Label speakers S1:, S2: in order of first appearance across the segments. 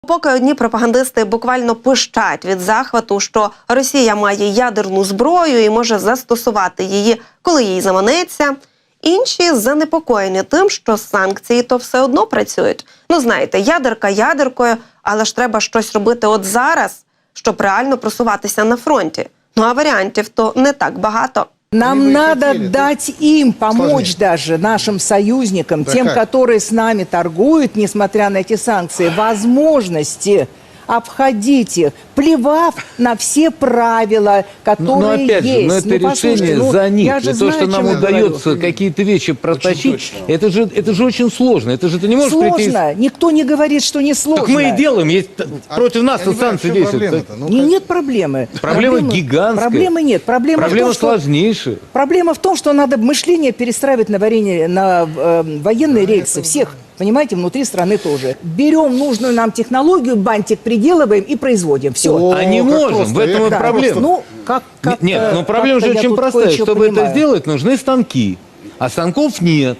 S1: Поки одні пропагандисти буквально пищать від захвату, що Росія має ядерну зброю і може застосувати її, коли їй заманеться, інші занепокоєні тим, що санкції то все одно працюють. Ну, знаєте, ядерка ядеркою, але ж треба щось робити от зараз, щоб реально просуватися на фронті. Ну, а варіантів то не так багато.
S2: Нам надо дать им помочь даже, нашим союзникам, тем, которые с нами торгуют, несмотря на эти санкции, возможности обходить их, плевав на все правила, которые
S3: опять же,
S2: есть.
S3: это решение за них. И то, что нам удается какие-то вещи протащить, это же очень сложно. Это же ты не можешь прийти...
S2: Сложно. Никто не говорит, что не сложно.
S3: Так мы и делаем. Против нас санкции действуют.
S2: Нет проблемы.
S3: Проблема гигантская.
S2: Проблемы нет.
S3: Проблема сложнейшая.
S2: Проблема в том, что надо мышление перестраивать на военные рельсы. Всех. Понимаете, внутри страны тоже. Берем нужную нам технологию, бантик приделываем и производим. Все.
S3: А не можем, в этом и проблема.
S2: Ну,
S3: Нет, но проблема же очень простая. Чтобы это сделать, нужны станки. А станков нет.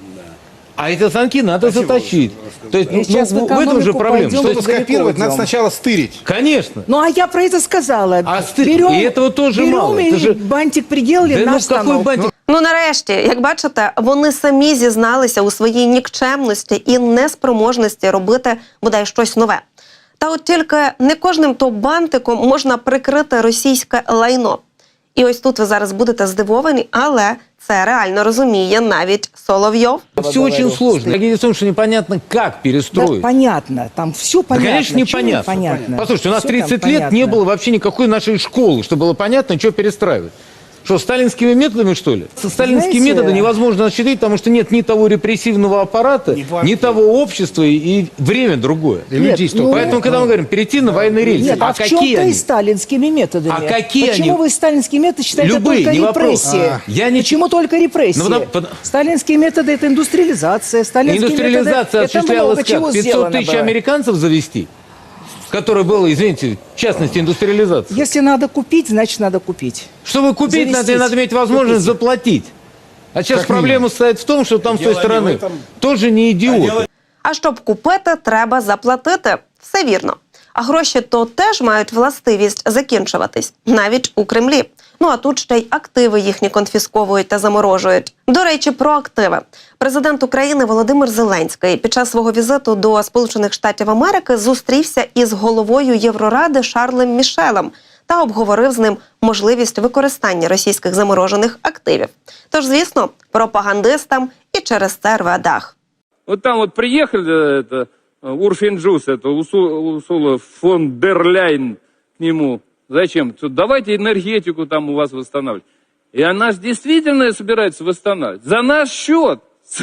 S3: А эти станки надо заточить. То есть, в этом же проблема.
S4: Чтобы скопировать, надо сначала стырить.
S3: Конечно.
S2: Ну, а я про это сказала.
S3: Берем, и этого тоже мало.
S2: Берем и бантик приделали, наш станок.
S1: Ну, нарешті, як бачите, вони самі зізналися у своїй нікчемності і неспроможності робити, бодай, щось нове. Та от тільки не кожним то бантиком можна прикрити російське лайно. І ось тут ви зараз будете здивовані, але це реально розуміє навіть Соловйов.
S3: Все очень сложно. Дело в том, что непонятно, как перестроить.
S2: Да, понятно, там все понятно.
S3: Да, конечно, непонятно. Послушайте, у нас 30 лет не было вообще никакой нашей школы, чтобы было понятно, что перестраивать. Что, сталинскими методами, что ли? Со сталинские методы невозможно осуществить, потому что нет ни того репрессивного аппарата, ни того общества, и время другое. Поэтому, когда мы говорим, перейти на военные рельсы,
S2: нет, а в чем-то и сталинскими методами.
S3: А какие
S2: Почему вы сталинские методы считаете
S3: любые,
S2: только репрессии? Почему только репрессии? Сталинские методы – это индустриализация.
S3: Индустриализация осуществлялась как? 500 тысяч американцев завести? Которое было, извините, в частности, индустриализация.
S2: Если надо купить, значит надо купить.
S3: Чтобы купить, надо иметь возможность заплатить. А сейчас проблема состоит в том, что там с той стороны тоже не идиоты.
S1: А щоб купити, треба заплатити. Все вірно. А гроші то теж мають властивість закінчуватись. Навіть у Кремлі. Ну а тут ще й активи їхні конфісковують та заморожують. До речі, про активи. Президент України Володимир Зеленський під час свого візиту до Сполучених Штатів Америки зустрівся із головою Євроради Шарлем Мішелем та обговорив з ним можливість використання російських заморожених активів. Тож, звісно, пропагандистам і через це рве дах.
S5: Вот там вот приехали, это, Урфин-Джус, это Урсула фон дер Ляйн к нему. Зачем? Давайте энергетику там у вас восстанавливать. И она же действительно собирается восстанавливать. За наш счет.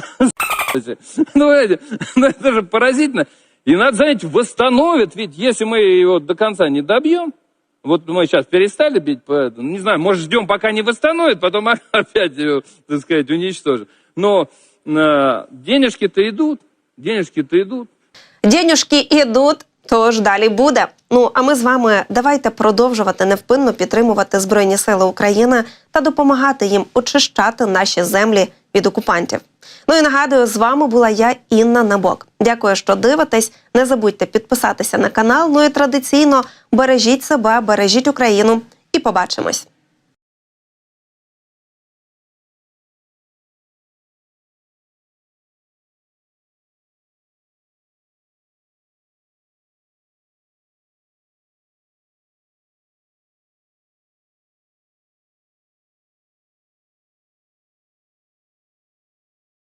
S5: Ну, это же поразительно. И надо, знаете, восстановит. Ведь если мы его до конца не добьем, вот мы сейчас перестали бить, не знаю, может, ждем, пока не восстановит, потом опять его, так сказать, уничтожим. Но денежки-то идут. Денежки-то идут.
S1: Денежки ідуть, тож далі буде. Ну, а ми з вами давайте продовжувати невпинно підтримувати Збройні Сили України та допомагати їм очищати наші землі від окупантів. Ну і нагадую, з вами була я, Інна Набок. Дякую, що дивитесь. Не забудьте підписатися на канал. Ну і традиційно бережіть себе, бережіть Україну. І побачимось.